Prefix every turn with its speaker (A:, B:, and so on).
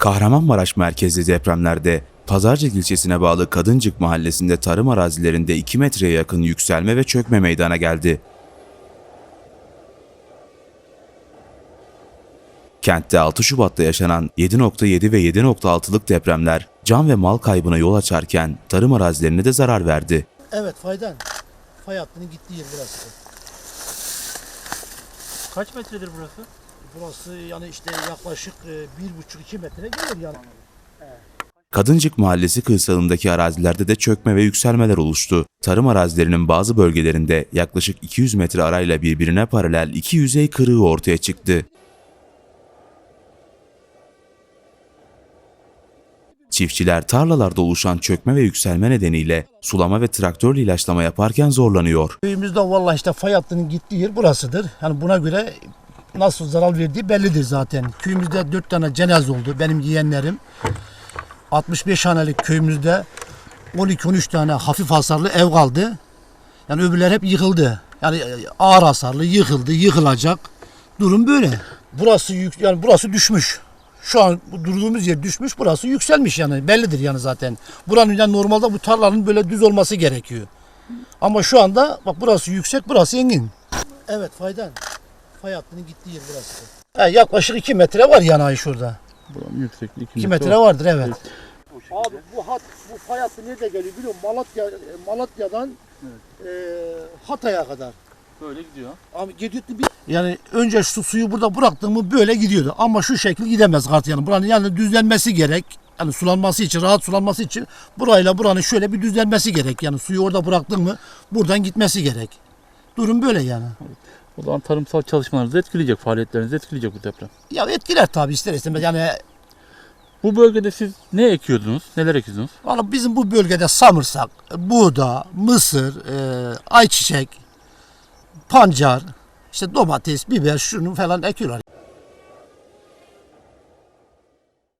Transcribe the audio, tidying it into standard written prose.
A: Kahramanmaraş merkezli depremlerde Pazarcık ilçesine bağlı Kadıncık mahallesinde tarım arazilerinde 2 metreye yakın yükselme ve çökme meydana geldi. Kentte 6 Şubat'ta yaşanan 7.7 ve 7.6'lık depremler can ve mal kaybına yol açarken tarım arazilerine de zarar verdi.
B: Evet, faydan. Fay hattının gittiği yer burası.
C: Kaç metredir burası?
B: Burası yani işte yaklaşık 1,5-2 metre gelir yani.
A: Kadıncık mahallesi kırsalındaki arazilerde de çökme ve yükselmeler oluştu. Tarım arazilerinin bazı bölgelerinde yaklaşık 200 metre arayla birbirine paralel iki yüzey kırığı ortaya çıktı. Çiftçiler tarlalarda oluşan çökme ve yükselme nedeniyle sulama ve traktörle ilaçlama yaparken zorlanıyor.
B: Köyümüzde vallahi işte fay hattının gittiği yer burasıdır. Yani buna göre nasıl zarar verdiği bellidir zaten. Köyümüzde 4 tane cenaze oldu. Benim yeğenlerim. 65 hanelik köyümüzde 12-13 tane hafif hasarlı ev kaldı. Yani öbürler hep yıkıldı. Yani ağır hasarlı yıkıldı, yıkılacak. Durum böyle. Burası yani burası düşmüş. Şu an bu durduğumuz yer düşmüş, burası yükselmiş yani bellidir yani zaten. Buranın yani normalde bu tarlanın böyle düz olması gerekiyor. Ama şu anda bak burası yüksek, burası engin. Evet, faydan. Fay hattının gittiği yer burası. Yaklaşık 2 metre var yani şurada.
C: Buranın yüksekliği
B: 2 metre vardır evet. Abi bu fay hattı nerede geliyor biliyor musun? Malatya'dan Hatay'a kadar.
C: Böyle gidiyor.
B: Abi yani önce şu suyu burada bıraktın mı böyle gidiyordu. Ama şu şekil gidemez kart yani. Buranın yani düzlenmesi gerek. Yani sulanması için, rahat sulanması için burayla buranın şöyle bir düzlenmesi gerek. Yani suyu orada bıraktın mı buradan gitmesi gerek. Durum böyle yani.
C: Evet. O zaman tarımsal çalışmalarınızı etkileyecek, faaliyetlerinizi etkileyecek bu deprem.
B: Ya etkiler tabii ister istemez. Yani
C: Bu bölgede siz ne ekiyordunuz, neler ekiyordunuz?
B: valla bizim bu bölgede samırsak, buğda, mısır, ayçiçek, pancar, işte domates, biber şunu falan ekiyorlar.